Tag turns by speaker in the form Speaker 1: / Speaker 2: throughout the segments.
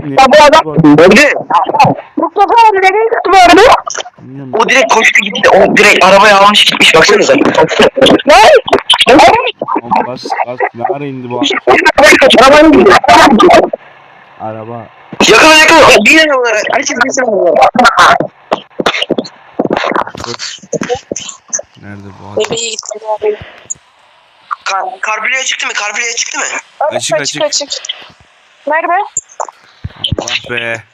Speaker 1: Ya bu adam öldü. Mustafa abi nereye gitti bu arada?
Speaker 2: O direkt koştu gitti. O direkt arabayı almış gitmiş. Baksanıza.
Speaker 1: Ne?
Speaker 3: Bas ne ara indi bu
Speaker 1: Arabanın gidiyor.
Speaker 3: araba?
Speaker 2: Yakala yakala. Binin onlara. Herkes binsin onlara.
Speaker 3: Nerede bu adam?
Speaker 1: Nereye gitti bu abi?
Speaker 2: Karbüleye çıktı mı? Karbüleye çıktı mı?
Speaker 3: Açık.
Speaker 1: Nerede?
Speaker 3: Allah be.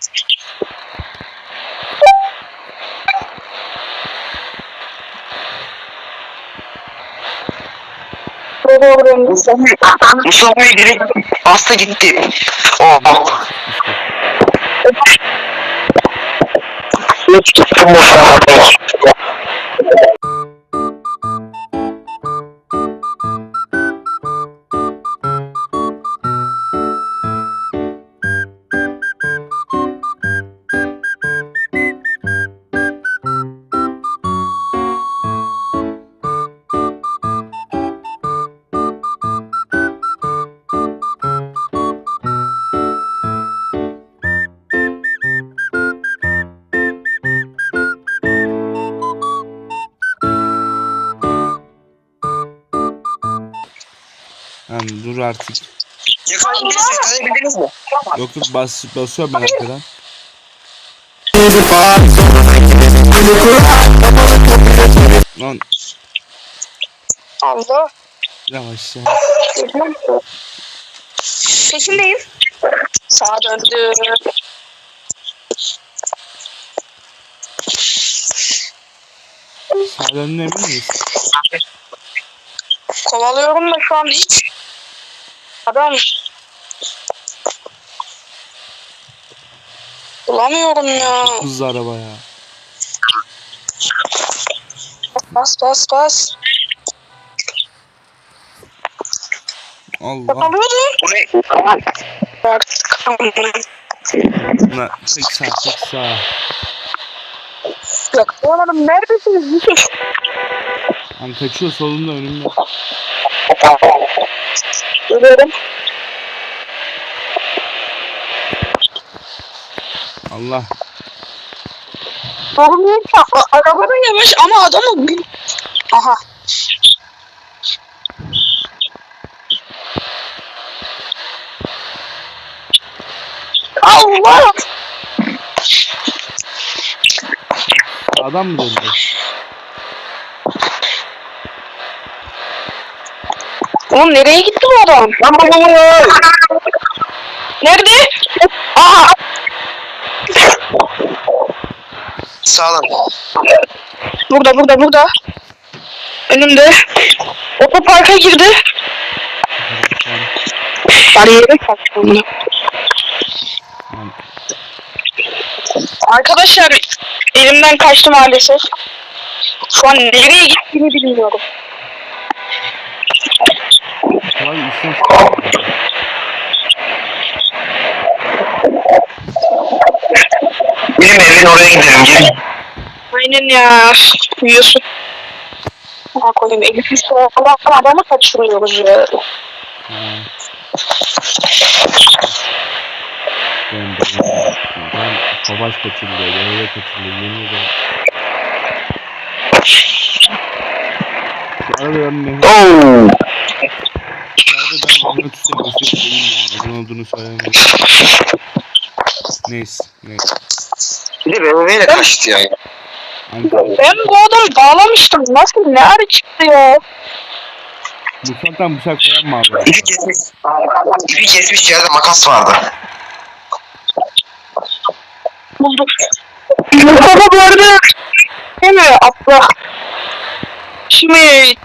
Speaker 2: Mustafa'yı direkt bastı gitti. Oh.
Speaker 3: Lan dur artık.
Speaker 2: Yakalayabildiniz mi?
Speaker 3: Yok basıyorum ben arkadan. Lan
Speaker 1: Allah.
Speaker 3: yavaş ya.
Speaker 1: Peşindeyim. Sağa döndü.
Speaker 3: Sağdan emin miyiz?
Speaker 1: Kovalıyorum da şu an hiç. Adam. Bulamıyorum ya.
Speaker 3: Çok hızlı araba ya.
Speaker 1: Bas.
Speaker 3: Allah.
Speaker 1: Kovalıyordum. Artık.
Speaker 3: Lan tek sağ.
Speaker 1: Yakalamadım. Neredesiniz? Yusuf?
Speaker 3: Lan kaçıyor solunda önümde.
Speaker 1: Görüyorum.
Speaker 3: Allah.
Speaker 1: Sorun araba da yavaş ama adamı bir... Aha. Allah!
Speaker 3: Adam mı döndü?
Speaker 1: Oğlum nereye gitti bu adam? Nerede? Aha!
Speaker 2: Sağlam.
Speaker 1: Burada. Önümde. Otoparka girdi. Bariyere kaçtım.
Speaker 3: Lan,
Speaker 1: Arkadaşlar elimden kaçtı maalesef. Şu an nereye gittiğini bilmiyorum.
Speaker 3: kolay işlem çıkıyor.
Speaker 2: Benim evin oraya gidelim. Gelin.
Speaker 1: Aynen ya. Uyuyorsun. Ha koyayım Elif'i sonra adamı kaçırıyoruz ya.
Speaker 3: Ben savaş kaçırılıyor, devre kaçırılıyor, yemin ederim. Şu arada ben ne? Şu arada ben anlamak istemiyorum. Neden olduğunu söylemiyorum. Neyse.
Speaker 2: Bir de BMW'yle kaçtı ya.
Speaker 1: Ben bu adamı bağlamıştım. Nasıl ne ara çıktı ya?
Speaker 3: Mutfaktan bıçak falan mı abi?
Speaker 2: İpi kesmiş yerde makas vardı.
Speaker 1: Bulduk. Mustafa bu arada değil mi? Abla. Şimdi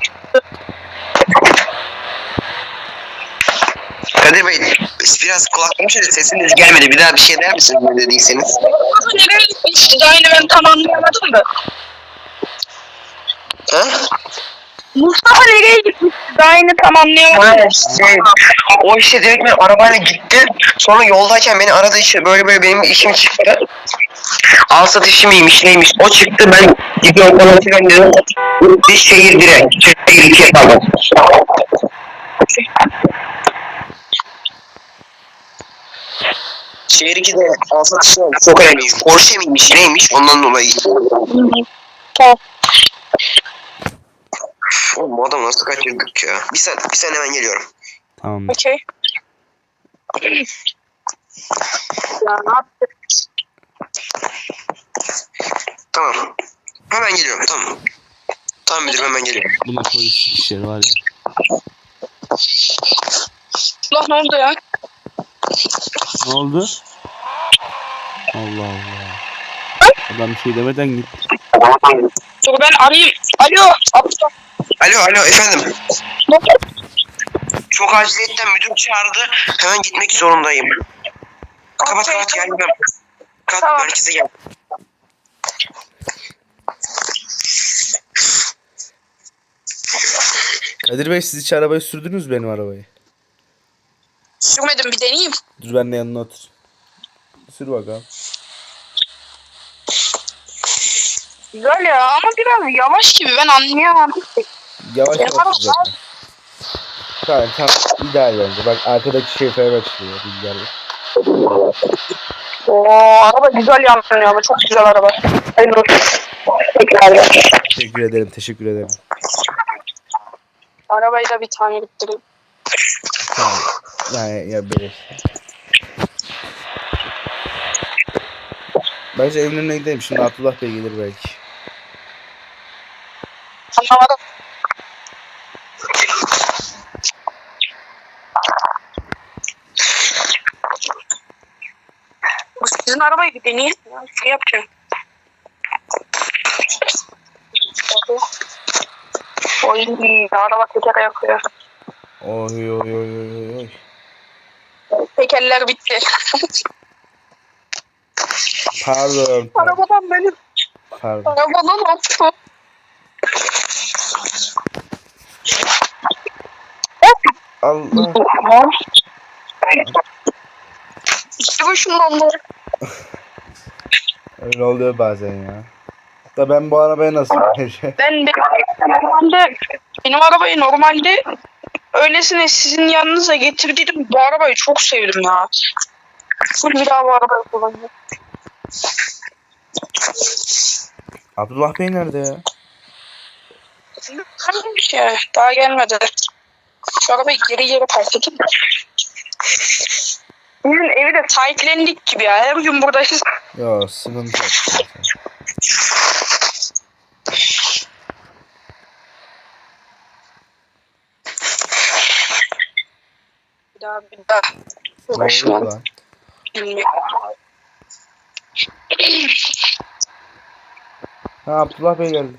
Speaker 2: Kadir Bey biraz kulaklığım şöyle sesiniz gelmedi. Bir daha bir şey der misiniz ne dediyseniz?
Speaker 1: nereye gitmişti? Aynı ben tam anlayamadım da.
Speaker 2: Ha?
Speaker 1: Mustafa nereye gitmişti? Aynı tam anlayamadım.
Speaker 2: O işte direkt ben arabayla gitti. Sonra yoldayken beni aradı işte böyle benim işim çıktı. Al satış mıymış neymiş o çıktı ben gidiyorum falan filan dedim. Bir şehir direkt. Şehir 2'ye kaldım. Şehir 2'de alsat işi çok önemliymiş. Porsche miymiş neymiş ondan dolayı.
Speaker 1: Tamam.
Speaker 2: Oğlum bu adamı nasıl kaçırdık ya. Bir saniye hemen geliyorum.
Speaker 3: Tamam.
Speaker 1: Okey. Ya ne yaptık?
Speaker 2: Tamam. Hemen geliyorum tamam. Tamam müdürüm hemen geliyorum.
Speaker 3: Buna polis işleri var ya.
Speaker 1: Ulan ne oldu ya?
Speaker 3: Ne oldu? Allah Allah. Adam bir şey demeden gitti.
Speaker 1: Dur ben arayayım. Alo. Abla.
Speaker 2: Alo efendim.
Speaker 1: Ne oldu?
Speaker 2: Çok aciliyetten müdür çağırdı. Hemen gitmek zorundayım. Kapat geldim.
Speaker 1: Tamam.
Speaker 2: Merkeze gel.
Speaker 3: Kadir Bey siz hiç arabayı sürdünüz benim arabayı.
Speaker 1: Sürmedim bir deneyeyim.
Speaker 3: Dur ben de yanına otur. Sür bakalım.
Speaker 1: Güzel ya ama biraz yavaş gibi ben anlayamadım.
Speaker 3: Yavaş
Speaker 1: Benim
Speaker 3: yavaş
Speaker 1: araba-
Speaker 3: zaten. Tamam ideal bence. Bak arkadaki şoför başlıyor. Rüzgarlı.
Speaker 1: Oo araba güzel yanıyor ama çok güzel araba. Hayırlı olsun. Tekrardan.
Speaker 3: Teşekkür ederim.
Speaker 1: Arabayı da bir tane bittireyim.
Speaker 3: Tamam. Yani ya böyle. Bence evin önüne gidelim. Şimdi Abdullah Bey gelir belki.
Speaker 1: Anlamadım. Bu sizin arabayı bir deneyelim ya. Şey yapacağım. Oy araba teker yakıyor.
Speaker 3: Oy oy oy oy oy.
Speaker 1: Tekerler bitti.
Speaker 3: Pardon.
Speaker 1: Arabadan benim.
Speaker 3: Pardon.
Speaker 1: Arabadan attı.
Speaker 3: Allah.
Speaker 1: İşte bu şundan da.
Speaker 3: Öyle oluyor bazen ya. Da ben bu arabaya nasıl vereceğim?
Speaker 1: Ben de normalde benim arabayı normalde öylesine sizin yanınıza getirdiydim. Bu arabayı çok sevdim ya. Full bir daha bu arabayı kullanacağım.
Speaker 3: Abdullah Bey nerede ya?
Speaker 1: Kalmış ya. Daha gelmedi. Şu arabayı geri park edeyim. Bizim evi de sahiplendik gibi ya. Her gün buradayız.
Speaker 3: Ya sıkıntı yok zaten.
Speaker 1: Bir daha.
Speaker 3: Ne
Speaker 1: Uğraşmam.
Speaker 3: oldu lan?
Speaker 1: Bilmiyorum.
Speaker 3: Ha Abdullah Bey geldi.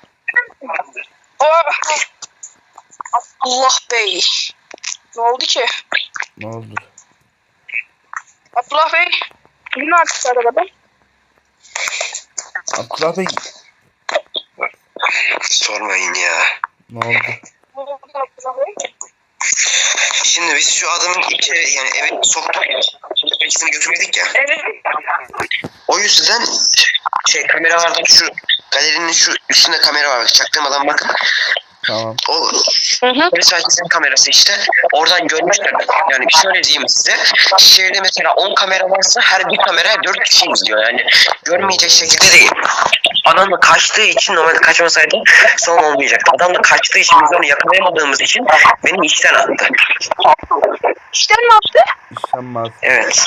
Speaker 1: Allah Bey. Ne oldu ki?
Speaker 3: Ne oldu?
Speaker 1: Abdullah Bey. Ne artık arabada?
Speaker 3: Abdullah Bey
Speaker 2: Sormayın ya.
Speaker 3: ne oldu?
Speaker 1: Ne oldu Abdullah Bey?
Speaker 2: Şimdi biz şu adamın içeri yani eve soktuk ya. Şimdi ikisini götürmedik ya.
Speaker 1: Evet.
Speaker 2: O yüzden kameralarda şu galerinin şu üstünde kamera var. Çaktırmadan bakın.
Speaker 3: Tamam.
Speaker 2: O
Speaker 1: Hı hı.
Speaker 2: polis merkezinin kamerası işte. Oradan görmüşler. Yani şöyle diyeyim size. Şehirde mesela 10 kamera varsa her bir kameraya 4 kişi izliyor. Yani görmeyecek şekilde değil. Adam da kaçtığı için normalde kaçmasaydı son olmayacaktı. Adam da kaçtığı için biz onu yakalayamadığımız için beni işten attı.
Speaker 1: İşte ne yaptı?
Speaker 3: İşlenmez.
Speaker 2: Evet.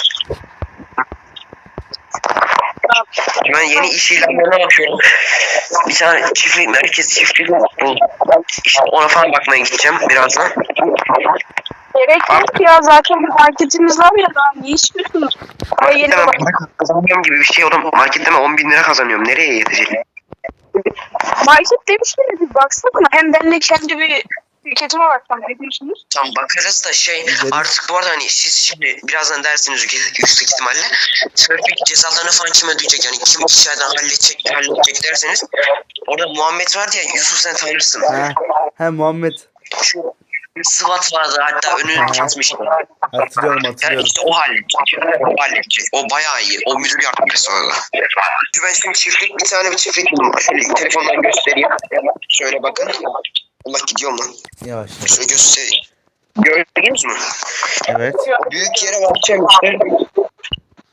Speaker 2: Ben yeni iş ilanlarına bakıyorum. Bir tane çiftlik, merkez çiftliği buldum. İşte ona falan bakmaya gideceğim birazdan.
Speaker 1: Gerek yok ya zaten bir marketimiz var ya daha ne istiyorsunuz? Ama yeni
Speaker 2: Marketten
Speaker 1: bak.
Speaker 2: ben para kazanıyorum gibi bir şey oğlum. Marketten ben 10.000 lira kazanıyorum. Nereye yetecek?
Speaker 1: Market demiştiniz bir baksana. Hem ben de kendi bir şirketime baksam ne diyorsunuz?
Speaker 2: Tam bakarız da artık bu arada hani siz şimdi birazdan dersiniz yüksek ihtimalle trafik cezalarını falan kim ödeyecek yani kim içeriden halledecek derseniz orada Muhammed vardı ya Yusuf sen tanırsın.
Speaker 3: He Muhammed.
Speaker 2: Şu SWAT vardı hatta önünü kesmişti.
Speaker 3: Hatırlıyorum
Speaker 2: Yani işte o halledecek. O bayağı iyi. O müdür yardımcısı orada. Ben şimdi bir çiftlik buldum. Şöyle telefondan göstereyim. Şöyle bakın. Allah gidiyorum lan.
Speaker 3: Yavaş.
Speaker 2: Şöyle göstereyim. Gördünüz mü?
Speaker 3: Evet.
Speaker 2: Büyük yere bakacağım işte.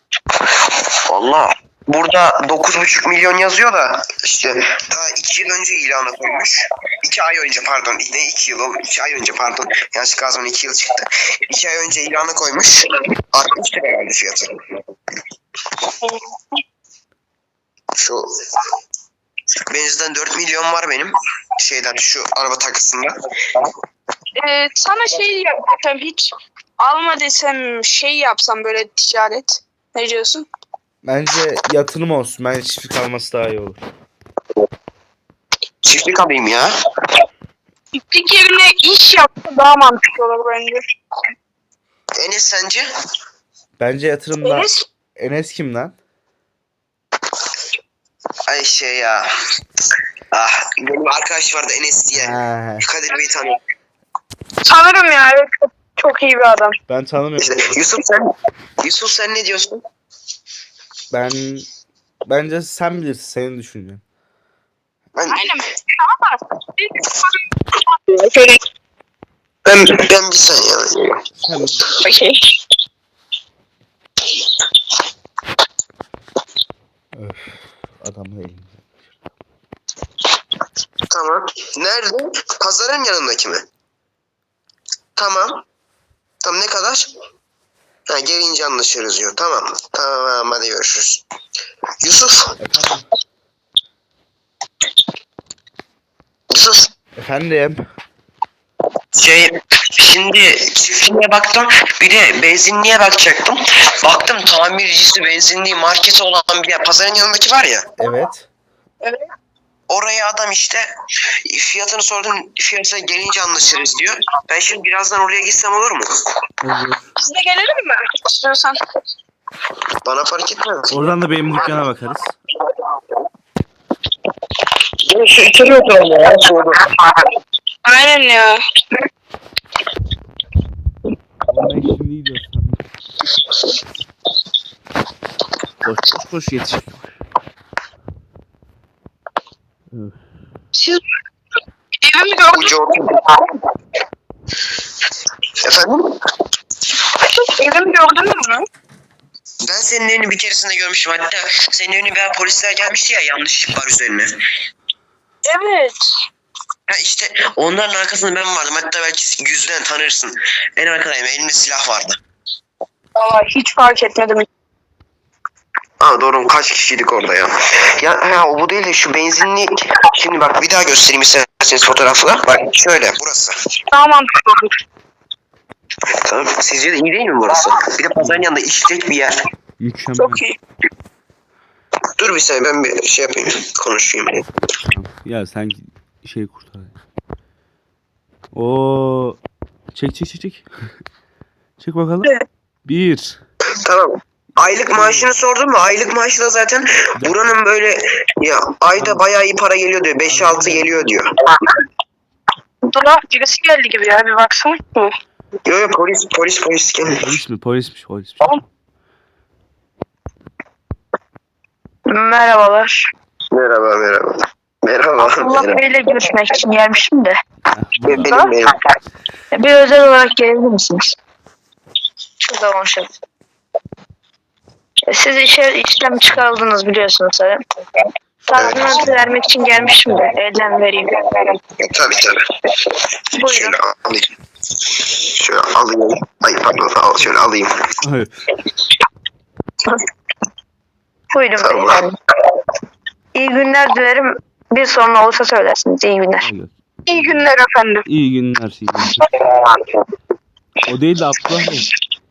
Speaker 2: Valla burada 9,5 milyon yazıyor da işte ta 2 yıl önce ilana koymuş. 2 ay önce pardon. Ne 2 yıl oldu? 2 ay önce pardon. Yanlışlıkla az önce 2 yıl çıktı. 2 ay önce ilana koymuş. 60 lira herhalde fiyatı. Şu benziden 4 milyon var benim. Şeyden şu araba takısında.
Speaker 1: Sana şey yapsam hiç alma desem şey yapsam böyle ticaret. Ne diyorsun?
Speaker 3: Bence yatırım olsun. Bence çiftlik alması daha iyi olur.
Speaker 2: Çiftlik alayım ya.
Speaker 1: Çiftlik yerine iş yapsa daha mantıklı olur bence.
Speaker 2: Enes sence?
Speaker 3: Bence yatırımda...
Speaker 1: Enes,
Speaker 3: Enes kim lan?
Speaker 2: Ay şey ya. Ah benim arkadaş vardı Enes diye.
Speaker 3: Ha,
Speaker 2: Kadir Bey'i tanıyor.
Speaker 1: sanırım ya evet, çok iyi bir adam.
Speaker 3: ben tanımıyorum.
Speaker 2: İşte Yusuf sen ne diyorsun?
Speaker 3: Bence sen bilirsin. Senin düşüncen.
Speaker 2: Ben
Speaker 1: Ama şöyle
Speaker 2: ben bir saniye.
Speaker 3: Sen
Speaker 1: okey.
Speaker 3: adam değil.
Speaker 2: Tamam. Nerede? Pazarın yanındaki mi? Tamam. Tamam ne kadar? Ha, gelince anlaşırız diyor. Tamam. Tamam hadi görüşürüz. Yusuf.
Speaker 3: Efendim?
Speaker 2: Yusuf.
Speaker 3: Efendim?
Speaker 2: Şimdi çiftliğe baktım. Bir de benzinliğe bakacaktım. Baktım tamircisi, benzinliği, marketi olan bir yer. Pazarın yanındaki var ya.
Speaker 3: Evet.
Speaker 2: Oraya adam işte fiyatını sordum. Fiyatına gelince anlaşırız diyor. Ben şimdi birazdan oraya gitsem olur mu?
Speaker 3: Olur.
Speaker 1: Biz de gelelim mi? İstiyorsan.
Speaker 2: Bana fark etmez.
Speaker 3: Oradan da benim dükkana bakarız.
Speaker 2: Şu içeri oturalım ya. Soğudu.
Speaker 1: Aynen ya.
Speaker 3: Ben şimdi gidiyorum. Koş yetiş.
Speaker 1: Siz evimi gördünüz
Speaker 2: Ucu oturdu. Efendim?
Speaker 1: Evimi gördünüz mü?
Speaker 2: Ben senin evini bir keresinde görmüştüm. Hatta senin evine bir polisler gelmişti ya, yanlışlık var üzerine.
Speaker 1: Evet.
Speaker 2: Ha işte onların arkasında ben vardım. Hatta belki yüzden tanırsın. En arkadayım. Elimde silah vardı.
Speaker 1: Valla hiç fark etmedim.
Speaker 2: Ha doğru, kaç kişiydik orada ya. Ya o bu değil de şu benzinlik. Şimdi bak bir daha göstereyim isterseniz fotoğrafla. Bak şöyle burası.
Speaker 1: Daha mantıklı olur.
Speaker 2: Tamam. Sizce de iyi değil mi burası? Bir de pazarın yanında işlek bir yer.
Speaker 3: Mükemmel.
Speaker 1: Çok iyi.
Speaker 2: Dur bir saniye ben bir şey yapayım. Konuşayım.
Speaker 3: Ya sen şey kurtar. Oo. Çek. Çek bakalım.
Speaker 1: Evet.
Speaker 3: 1.
Speaker 2: Tamam. Aylık maaşını sordun mu? Aylık maaşı da zaten buranın böyle ya ayda bayağı iyi para geliyor diyor. 5-6 geliyor diyor.
Speaker 1: Dur birisi geldi gibi ya bir baksana.
Speaker 2: Yo polis geldi.
Speaker 3: Polismiş.
Speaker 1: Merhabalar.
Speaker 2: Merhaba.
Speaker 1: Allah Bey'le görüşmek için gelmişim de.
Speaker 2: Benim.
Speaker 1: Bir özel olarak gelebilir misiniz? Şurada konuşalım. Siz işlem çıkarıldınız biliyorsunuz zaten. Tazminatı vermek için gelmişim de. Elden vereyim.
Speaker 2: Tabii.
Speaker 1: Buyurun.
Speaker 2: Şöyle alayım. Şöyle alayım. Ay pardon şöyle alayım.
Speaker 3: Hayır.
Speaker 1: Buyurun
Speaker 2: Tamam.
Speaker 1: beyefendi. İyi günler dilerim. Bir sorun olursa söylersiniz. İyi günler. İyi günler efendim.
Speaker 3: İyi günler. O değil de Abdullah Bey.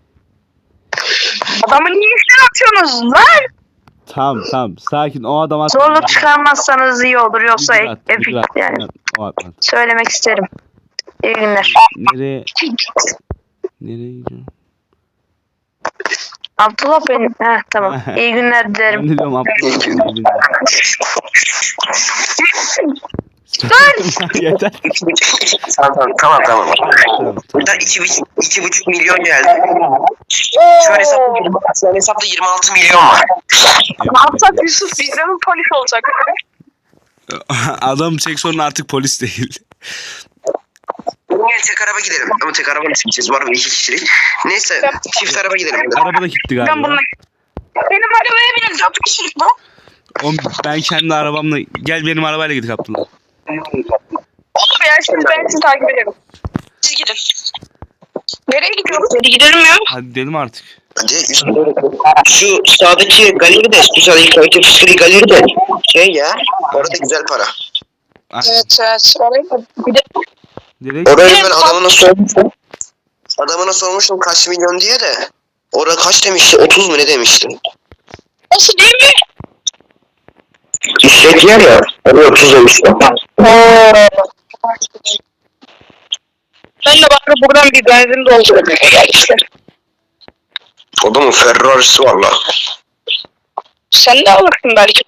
Speaker 1: Adamı niye işler atıyorsunuz lan?
Speaker 3: Tamam. Sakin. O adam atma.
Speaker 1: Zorluk çıkarmazsanız iyi olur. Yoksa
Speaker 3: Bir
Speaker 1: epik
Speaker 3: rahat.
Speaker 1: yani.
Speaker 3: O atmadı.
Speaker 1: Söylemek isterim. İyi günler.
Speaker 3: Nereye gidiyorsun?
Speaker 1: Abdullah benim. Tamam. İyi günler dilerim.
Speaker 3: Ben de diyorum Abdullah Bey. Yeter.
Speaker 2: Tamam. Buradan 2,5 milyon geldi. Şu an hesapta 26 milyon var.
Speaker 1: Ne yapsak Yusuf? Bizde mi polis olacak?
Speaker 3: Adam çek sorun artık polis değil.
Speaker 2: Gel tek araba gidelim. Ama tek araba nasıl gideceğiz? Var mı 2 kişilik? Neyse çift araba gidelim.
Speaker 3: Araba da gitti
Speaker 1: Ben
Speaker 3: galiba.
Speaker 1: bununla... Benim arabaya binin 4 kişilik bu.
Speaker 3: Oğlum ben kendi arabamla... Gel benim arabayla gidelim Abdullah.
Speaker 1: Olur ya şimdi ben sizi takip ederim. Siz gidin. Nereye gidiyoruz? Hadi gidelim ya.
Speaker 3: Hadi gidelim artık.
Speaker 2: Hadi şu sağdaki galeri de, şu sağdaki kaliteli galeri de şey ya, orada güzel para.
Speaker 1: Evet evet. Oraya gidelim.
Speaker 3: Direkt
Speaker 2: Orayı ben adamına sormuştum kaç milyon diye de. Orada kaç demişti? 30 mu ne demişti?
Speaker 1: Nasıl değil mi?
Speaker 2: İşlet yer ya. Orada 30 demişti.
Speaker 1: Ben de bak buradan bir benzin doldurayım. Gel işte.
Speaker 2: Adamın Ferrari'si var la.
Speaker 1: Sen de alırsın belki.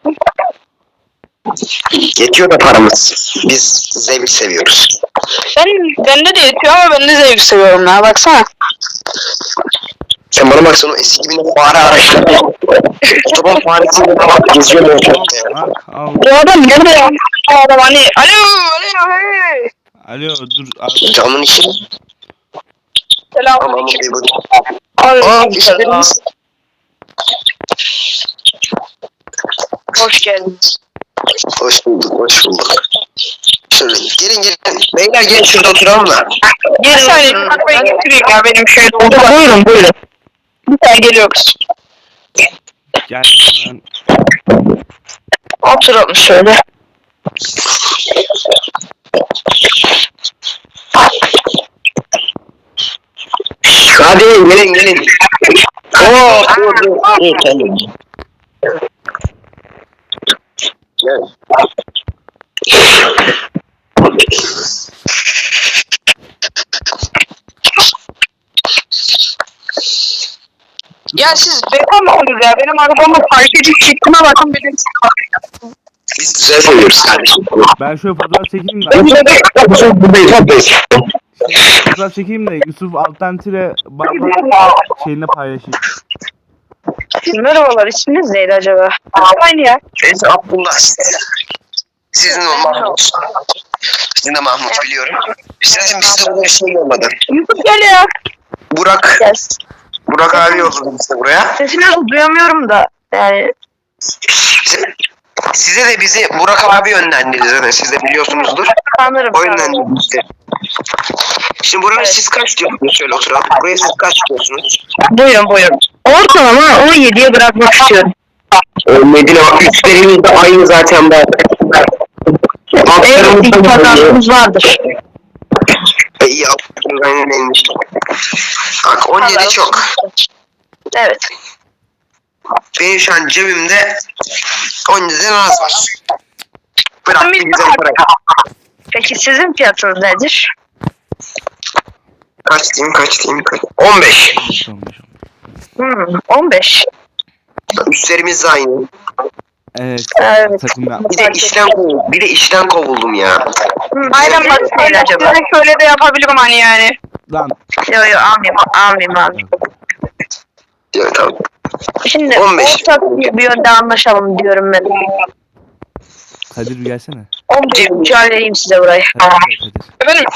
Speaker 2: Yetiyor da paramız. Biz zevk seviyoruz.
Speaker 1: Bende de yetiyor ama ben de zevk seviyorum ya. Baksana.
Speaker 2: Sen bana baksana o eski gibi fare araçları. Otoban faresiyle geziyor ortalıkta ya.
Speaker 3: al.
Speaker 1: Bu adam nerede ya? Bu adam hani. Alo. Hey.
Speaker 3: Alo dur. Abi.
Speaker 2: Camın içi. Tamam
Speaker 1: Selamünaleyküm.
Speaker 2: bir bak.
Speaker 1: Aa,
Speaker 2: işlerimiz.
Speaker 1: hoş geldiniz.
Speaker 2: Hoş bulduk, hoş bulduk. Şöyle gelin. Beyler gelin şurada oturalım da.
Speaker 1: Bir saniye arabayı getireyim ya benim şöyle oldu. Buyurun. Bir saniye geliyoruz.
Speaker 3: Gel. Ben...
Speaker 1: Oturalım şöyle.
Speaker 2: Hadi gelin. Dur. Tamam. Gel.
Speaker 1: Ya siz bekar mısınız ya? Benim arabamı fark edip çıktığına bakın benim.
Speaker 2: Biz güzel seviyoruz kardeşim.
Speaker 3: Ben şöyle fotoğraf çekeyim de.
Speaker 2: Buradayız.
Speaker 3: Fotoğraf çekeyim de Yusuf alttan tire barba şeyine paylaşayım.
Speaker 1: Merhabalar, isminiz neydi acaba? Aynı ya.
Speaker 2: Neyse Abdullah. Sizin o Mahmut. Sizin de Mahmut biliyorum. Sizin bizde burada bir şey olmadı.
Speaker 1: Yusuf gel ya.
Speaker 2: Burak abi yolladı bize buraya.
Speaker 1: Sesini duyamıyorum da. Yani
Speaker 2: Size de bizi Burak abi yönlendirdi zaten. Siz de biliyorsunuzdur.
Speaker 1: sanırım.
Speaker 2: O yönlendirdi bizi. Şimdi buraya siz kaç diyorsunuz? Şöyle oturalım. Buraya siz kaç diyorsunuz?
Speaker 1: Buyurun. Ortalama 17'ye bırakmak istiyorum.
Speaker 2: Medine bak üstlerimiz de aynı zaten bak.
Speaker 1: Evet, bir pazarlığımız vardır.
Speaker 2: İyi yaptınız aynen neymiş. Bak 17 çok.
Speaker 1: Evet.
Speaker 2: Benim şu an cebimde 17'den az var. Bırak bir güzel para.
Speaker 1: Peki sizin fiyatınız nedir?
Speaker 2: Kaç diyeyim? 15.
Speaker 1: 15.
Speaker 2: Üstlerimiz de aynı.
Speaker 3: Evet.
Speaker 1: Evet.
Speaker 3: Takım ya.
Speaker 2: Bir de işten kovuldum ya.
Speaker 1: Aynen bak öyle acaba. Şöyle de yapabilirim hani yani.
Speaker 3: Lan.
Speaker 1: Yo almayayım.
Speaker 2: Ya tamam.
Speaker 1: Şimdi
Speaker 2: 15.
Speaker 1: ortak bir yönde anlaşalım diyorum ben.
Speaker 3: Kadir bir gelsene.
Speaker 1: 15 halledeyim size burayı.
Speaker 3: Kadir.
Speaker 1: Efendim?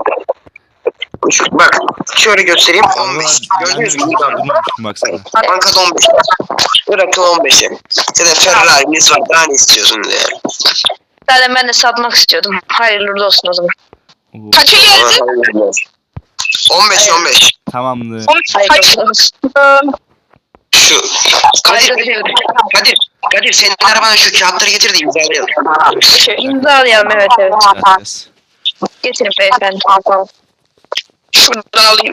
Speaker 2: Bak şöyle göstereyim 15. Gördünüz mü?
Speaker 3: Durmamıştım baksana.
Speaker 2: Bankada 15. Bırakın 15'e. Senin Ferrari'niz var daha ne istiyorsunuz ya?
Speaker 1: Zaten ben de satmak istiyordum. Hayırlı olsun o zaman.
Speaker 3: Oo,
Speaker 1: Kaça geldi?
Speaker 2: 15.
Speaker 3: tamamdır.
Speaker 1: Hayırlı olsun.
Speaker 2: Şu Kadir senin arabana şu kağıtları getir de imzalayalım.
Speaker 1: İmzalayalım evet.
Speaker 3: Yes.
Speaker 1: Getirin beyefendi. Şuradan alayım.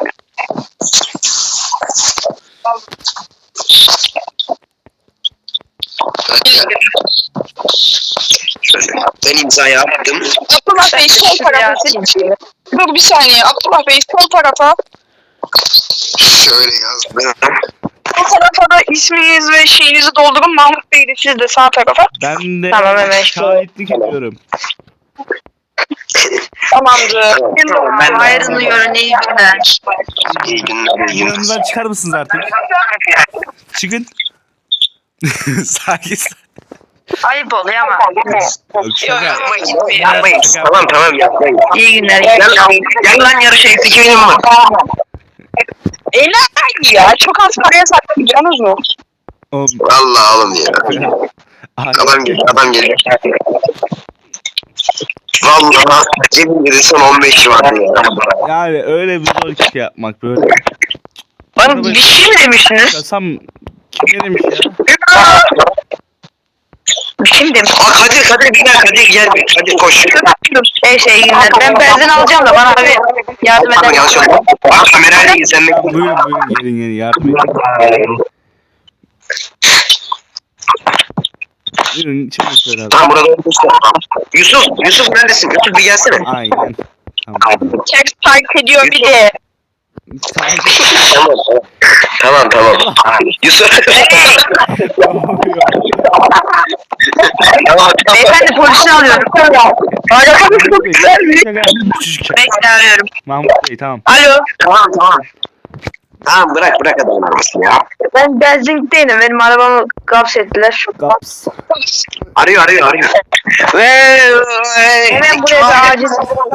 Speaker 2: Şöyle. Ben imza yaptım.
Speaker 1: Abdullah Bey sol tarafa. Dur bir saniye. Abdullah Bey sol tarafa.
Speaker 2: Şöyle yazdım.
Speaker 1: Sol tarafa da isminiz ve şeyinizi doldurun. Mahmut Bey de siz de sağ tarafa.
Speaker 3: Ben de
Speaker 1: Tamam, hemen
Speaker 3: şahitlik ediyorum.
Speaker 1: Tamamdır.
Speaker 2: Tamam, ben de-
Speaker 1: Hayrını görün iyi günler.
Speaker 2: İyi günler.
Speaker 3: Yanımızdan çıkar mısınız artık? Çıkın. Sakin.
Speaker 1: Ayıp oluyor ama.
Speaker 3: Yok, şaka.
Speaker 2: Yapmayın. Tamam yapmayın.
Speaker 1: İyi günler.
Speaker 2: Gel lan yarışa eksik benim var.
Speaker 1: Eğlen ya. Çok az paraya sattım biliyorsunuz mu?
Speaker 3: Oğlum,
Speaker 2: Vallahi oğlum ya.
Speaker 3: ay,
Speaker 2: Adam geliyor. Vallahi cebimde de son 15 vardı ya.
Speaker 3: yani öyle bir zor ki şey yapmak böyle.
Speaker 1: Bana bir şey mi demiştiniz?
Speaker 3: Kasam kim ne demiş ya?
Speaker 1: Bir şey mi demiştiniz?
Speaker 2: Aa Kadir gel bir. Kadir koş.
Speaker 1: Şey günler. Ben benzin alacağım da bana bir yardım
Speaker 2: Pardon
Speaker 1: eder
Speaker 2: yanlış
Speaker 1: misin?
Speaker 2: oldu. Aa kamerayla git sen
Speaker 3: Ya,
Speaker 2: bekle.
Speaker 3: buyurun gelin yardım edin. Buyurun çabuk söyle abi.
Speaker 2: Tamam burada olmuştu. Yusuf neredesin? Yusuf bir gelsene.
Speaker 3: Aynen. Tamam.
Speaker 1: Ters park ediyor bir de.
Speaker 2: Tamam. Yusuf. Tamam.
Speaker 1: Beyefendi polisi alıyorum. Bekle arıyorum.
Speaker 3: Mahmut Bey tamam.
Speaker 1: Alo.
Speaker 2: Tamam. Tamam bırak adamın arabasını ya.
Speaker 1: Ben benzinlikteydim. Benim arabamı gapsettiler.
Speaker 3: Gaps.
Speaker 2: Arıyor.
Speaker 1: Hemen buraya da acil.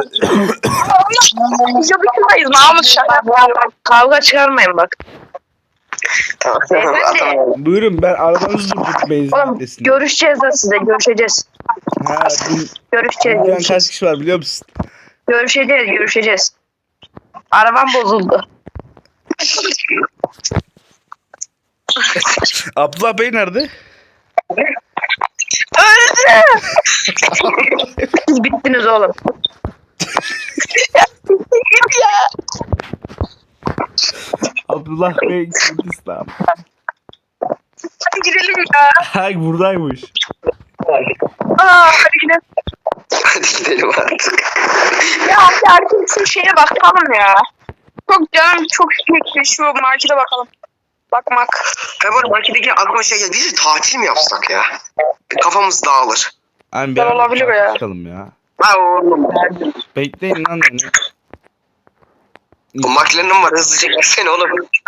Speaker 1: Biz yapışmayız Mahmut şaka. Kavga çıkarmayın bak.
Speaker 2: Tamam.
Speaker 3: Buyurun ben arabanızı durdurdum benzin
Speaker 1: Oğlum
Speaker 3: adresine.
Speaker 1: görüşeceğiz da size. Görüşeceğiz.
Speaker 3: Ha dün kaç
Speaker 1: Görüşeceğiz.
Speaker 3: kişi var biliyor musun?
Speaker 1: Görüşeceğiz. Arabam bozuldu.
Speaker 3: Abdullah Bey nerede?
Speaker 1: Öldü. Siz bittiniz oğlum.
Speaker 3: Abdullah Bey Kürdistan.
Speaker 1: Hadi gidelim ya.
Speaker 3: Hay buradaymış.
Speaker 1: Hadi gidelim.
Speaker 2: Hadi gidelim artık.
Speaker 1: Ya herkesin şeye bakalım ya. Çok canım çok çekti şu markete bakalım. Bakmak.
Speaker 2: Hemen marketteki aklıma şey geldi. Biz de tatil mi yapsak ya? Kafamız dağılır.
Speaker 3: Abi
Speaker 1: Güzel olabilir ya.
Speaker 3: Çıkalım ya.
Speaker 2: Ha oğlum.
Speaker 3: Bekleyin lan beni.
Speaker 2: O McLaren'ım var hızlıca gitsene oğlum.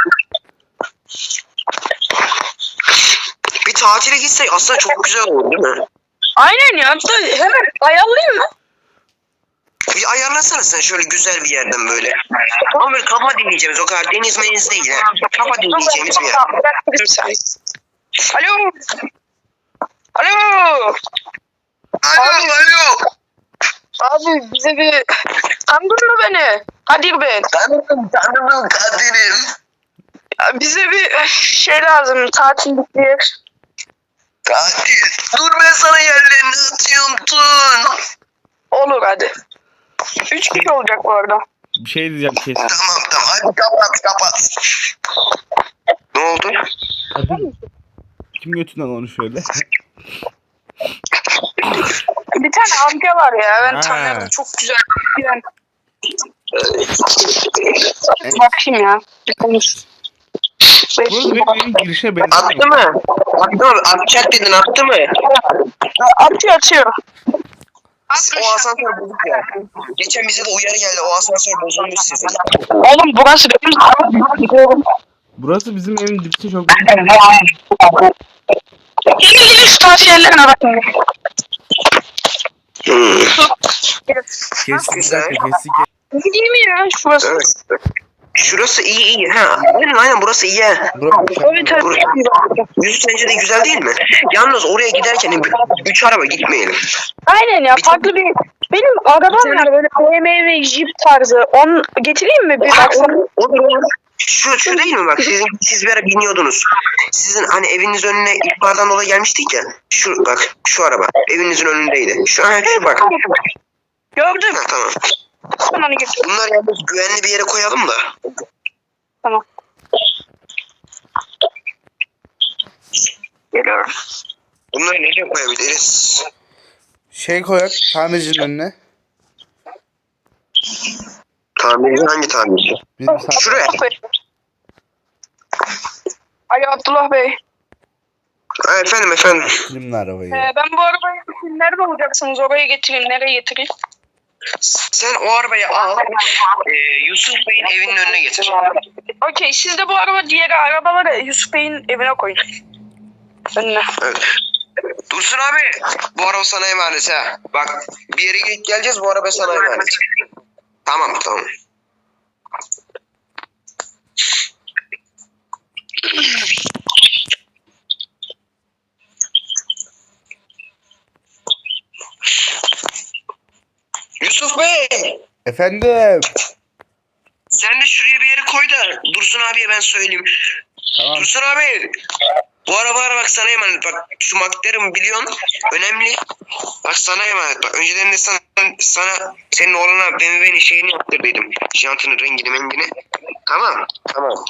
Speaker 2: Bir tatile gitsek aslında çok güzel olur değil mi?
Speaker 1: Aynen ya. Hemen ayarlayayım mı?
Speaker 2: Bir ayarlasana sen şöyle güzel bir yerden böyle. Ama böyle kafa dinleyeceğimiz o kadar deniz meniz değil ya. Kafa dinleyeceğimiz bir yer.
Speaker 1: Alo.
Speaker 2: Alo.
Speaker 1: Abi bize bir... Tanıdın mı beni? Kadir ben.
Speaker 2: Tanıdım Kadir'im.
Speaker 1: Ya bize bir şey lazım. Tatillik bir yer.
Speaker 2: Kadir. Dur ben sana yerlerini atıyorum Tun.
Speaker 1: Olur hadi. 3 kişi olacak bu arada.
Speaker 3: Bir şey diyeceğim kesin.
Speaker 2: Tamam hadi kapat. Ne oldu?
Speaker 3: Hadi. Kim götünden onu şöyle?
Speaker 1: Bir tane amca var ya. Ben
Speaker 3: Ha.
Speaker 1: tanıyorum. Çok güzel. Yani... Bakayım ya. Bir konuş.
Speaker 3: Burada benim evin girişe benziyor.
Speaker 2: Attı mı? Atacak dedin attı mı?
Speaker 1: Atıyor.
Speaker 2: O asansör bozuk ya. Geçen bize de uyarı geldi. O asansör bozulmuş sizin.
Speaker 1: Oğlum burası benim.
Speaker 3: Burası bizim evin dipçi çok.
Speaker 1: Gelin şu tavsiyelerine bakın.
Speaker 3: Kestik
Speaker 2: Güzel.
Speaker 3: kestik.
Speaker 1: Değil mi ya şurası?
Speaker 2: Evet. Şurası iyi. Ha, aynen burası iyi. Ha.
Speaker 1: Evet evet.
Speaker 2: Yüzü sence de güzel değil mi? Yalnız oraya giderken 3 araba gitmeyelim.
Speaker 1: Aynen ya farklı bir... Benim arabam var böyle BMW Jeep tarzı. Onu getireyim mi bir baksana?
Speaker 2: Olur. Şu değil mi bak siz bir ara biniyordunuz. Sizin hani eviniz önüne ihbardan dolayı gelmiştik ya. Şu bak şu araba evinizin önündeydi. Şu bak.
Speaker 1: Gördüm.
Speaker 2: Ha, tamam.
Speaker 1: Ben onu getireyim.
Speaker 2: Bunları yalnız güvenli bir yere koyalım da.
Speaker 1: Tamam. Geliyorum.
Speaker 2: Bunları nereye koyabiliriz?
Speaker 3: Şey koyak tamircinin önüne.
Speaker 2: Tamirci hangi tamirci?
Speaker 3: Bizim sağ...
Speaker 2: Şuraya.
Speaker 1: Alo Abdullah Bey.
Speaker 2: Ha, efendim.
Speaker 3: Filmli arabayı.
Speaker 1: Ben bu arabayı nerede olacaksınız? Oraya getireyim. Nereye getireyim?
Speaker 2: Sen o arabayı al. Yusuf Bey'in evinin önüne getir.
Speaker 1: Okey. Siz de bu araba diğer arabaları Yusuf Bey'in evine koyun. Önüne.
Speaker 2: Evet. Dursun abi. Bu araba sana emanet ha. Bak bir yere gidip geleceğiz bu araba sana emanet. Tamam. Yusuf Bey.
Speaker 3: Efendim.
Speaker 2: Sen de şuraya bir yere koy da Dursun abiye ben söyleyeyim.
Speaker 3: Tamam.
Speaker 2: Dursun abi. Bu arabalar bak sana emanet. Bak şu McLaren biliyorsun. Önemli. Bak sana emanet. Bak önceden de sana senin oğluna BMW'nin şeyini yaptırdıydım. Jantının rengini mengini. Tamam. Tamam.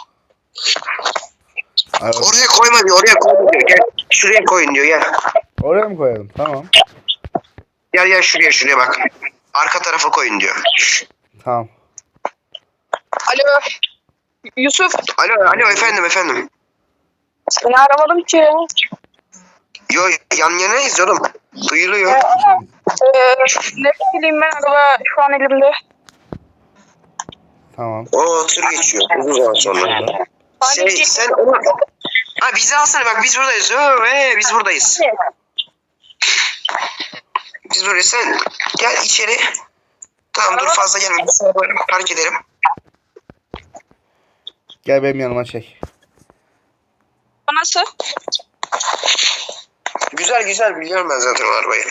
Speaker 3: Evet.
Speaker 2: Oraya koyma diyor. Oraya koyma diyor. Gel. Şuraya koyun diyor. Gel.
Speaker 3: Oraya mı koyalım? Tamam.
Speaker 2: Gel şuraya bak. Arka tarafa koyun diyor.
Speaker 3: Tamam.
Speaker 1: Alo. Yusuf.
Speaker 2: Alo efendim.
Speaker 1: Seni aramadım ki.
Speaker 2: Yo yan yanayız oğlum. Duyuluyor.
Speaker 1: Ne bileyim ben araba şu an elimde.
Speaker 3: Tamam.
Speaker 2: O tır geçiyor. Uzun zaman sonra. Sen onu... Ha bizi alsana bak biz buradayız. Biz buradayız. Biz buradayız. Sen gel içeri. Tamam dur fazla gelme. Biz sana böyle park edelim.
Speaker 3: Gel benim yanıma çek.
Speaker 1: Nasıl?
Speaker 2: Güzel biliyorum ben zaten o arabayı.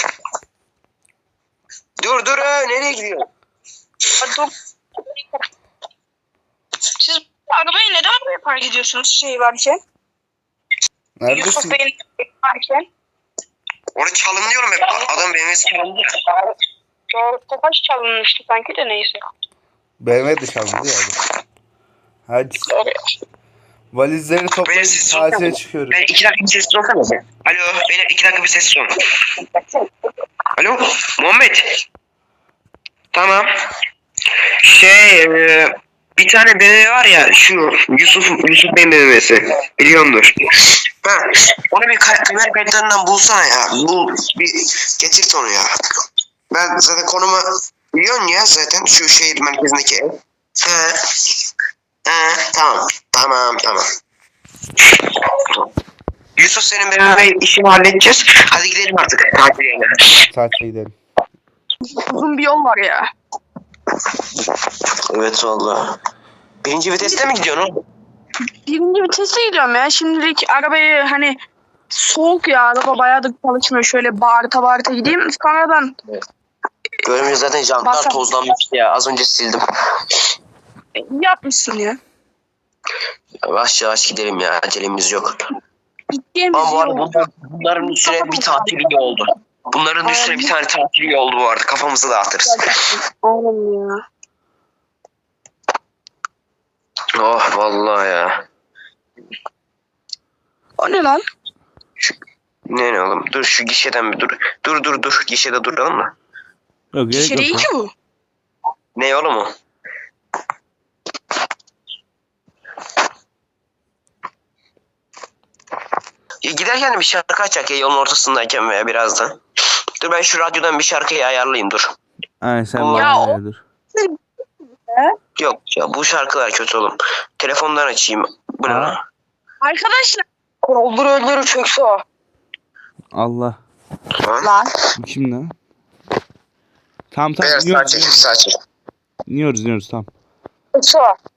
Speaker 2: Dur nereye gidiyorsun?
Speaker 1: Dur. Siz arabayı neden buraya park ediyorsunuz şey varken?
Speaker 3: Neredesin?
Speaker 1: Yusuf Bey'in varken.
Speaker 2: Orada çalınıyorum hep. Adam BMW'si çalındı.
Speaker 1: Doğru topaç çalınmıştı sanki de neyse.
Speaker 3: BMW dışarıda ya. Hadi.
Speaker 1: Doğru.
Speaker 3: Valizleri toplayıp
Speaker 2: Beyler, siz
Speaker 3: tatile
Speaker 2: sorsanız.
Speaker 3: çıkıyoruz.
Speaker 2: Ben 2 dakika bir sessiz olsana sen. Alo beyler 2 dakika bir sessiz olun. Alo Muhammed. Tamam. Bir tane BMW var ya şu Yusuf Bey'in BMW'si. Biliyordur. Ha, onu bir kamera kayıtlarından bulsana ya. Bir getir onu ya. Ben zaten konumu biliyorsun ya zaten şu şehir merkezindeki ev. Tamam. Yusuf senin BMW işini halledeceğiz. Hadi gidelim artık.
Speaker 3: Tatile gidelim.
Speaker 1: Uzun bir yol var ya.
Speaker 2: Evet valla. Birinci viteste mi gidiyorsun oğlum?
Speaker 1: Birinci vitese gidiyorum ya. Şimdilik arabayı hani soğuk ya. Araba bayağıdır çalışmıyor. Şöyle bağırta gideyim. Sonradan
Speaker 2: Görmüyor zaten jantlar
Speaker 1: Basar.
Speaker 2: tozlanmıştı ya. Az önce sildim.
Speaker 1: yapmışsın ya.
Speaker 2: Yavaş gidelim ya. Acelemiz yok.
Speaker 1: Gideceğimiz
Speaker 2: Ama bu arada
Speaker 1: yol.
Speaker 2: bunların üstüne bir tatil iyi oldu. Bunların üstüne bir tane tatil iyi oldu bu arada. Kafamızı dağıtırız.
Speaker 1: Oğlum ya.
Speaker 2: Oh vallahi ya.
Speaker 1: O ne lan?
Speaker 2: Ne oğlum? Dur şu gişeden bir dur. Dur. Gişede duralım da.
Speaker 3: Yok gerek
Speaker 1: İçeri
Speaker 3: yok.
Speaker 1: ki bu.
Speaker 2: Ne oğlum o? Ya giderken de bir şarkı açacak ya yolun ortasındayken veya birazdan. Dur ben şu radyodan bir şarkıyı ayarlayayım dur.
Speaker 3: Aynen sen
Speaker 2: Ya
Speaker 3: bana
Speaker 1: o-
Speaker 3: dur.
Speaker 2: Yok ya bu şarkılar kötü oğlum. Telefondan açayım. Bu ne lan?
Speaker 1: Arkadaşlar. Öldürür çökse o.
Speaker 3: Allah.
Speaker 2: Lan.
Speaker 1: Lan.
Speaker 3: Bu kim lan? Tamam
Speaker 2: Beyler
Speaker 3: iniyoruz.
Speaker 2: sağ çek.
Speaker 3: İniyoruz tamam.
Speaker 1: Çökse o.